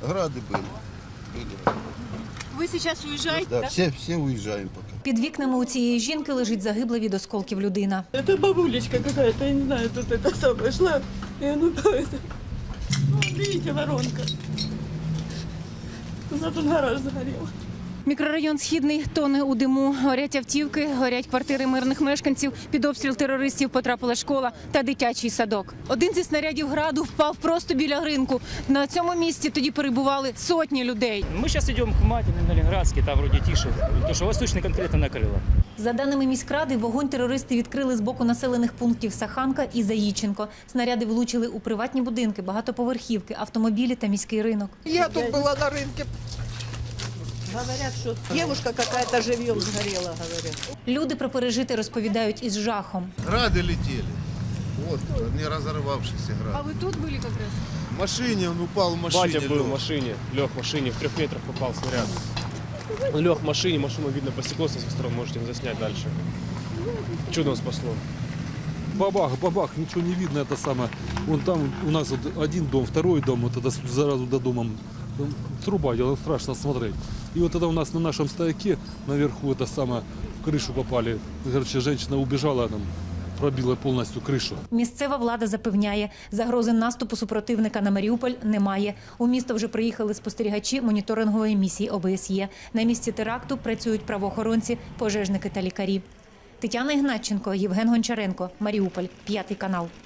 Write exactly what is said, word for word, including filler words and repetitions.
Грады были. были. Ви зараз уїжджаєте? Да, так? все, все уезжаем пока. Під вікнами у цієї жінки лежить загибла від осколків людина. Это бабулечка какая-то, я не знаю, тут это самое шла, и оно это. Вот видите, воронка. У нас тут гараж загорел. Мікрорайон Східний тоне у диму. Горять автівки, горять квартири мирних мешканців. Під обстріл терористів потрапила школа та дитячий садок. Один зі снарядів граду впав просто біля ринку. На цьому місці тоді перебували сотні людей. Мы сейчас идем к Матиной, на Ленинградский, там вроде тише, потому что Восточный конкретно накрыло. За даними міськради, вогонь терористи відкрили з боку населених пунктів Саханка і Заїченко. Снаряди влучили у приватні будинки, багатоповерхівки, автомобілі та міський ринок. Я тут была на рынке. Говорят, что девушка какая-то живьем сгорела, говорят. Люди про пережите розповідають із жахом. Грады летели. Вот, не разорвавшийся А град. ви тут були якраз? В машине, он упал в машине. Батя был лёг. в машине, лег в машине, в трех метрах попал снаряд. Он лег в машине, машину видно по стеклу со всех сторон, можете заснять дальше. Чудом спасло. Бабах, бабах, ничего не видно, это самое. Вон там у нас вот один дом, второй дом, вот это сразу до дома труба, дело страшно смотреть. И вот это у нас на нашем стояке наверху это самое, в крышу попали. Короче, женщина убежала, нам пробила повністю кришу. Місцева влада запевняє, загрози наступу супротивника на Маріуполь немає. У місто вже приїхали спостерігачі моніторингової місії О Б С Є. На місці теракту працюють правоохоронці, пожежники та лікарі. Тетяна Ігнатченко, Євген Гончаренко, Маріуполь, п'ятий канал.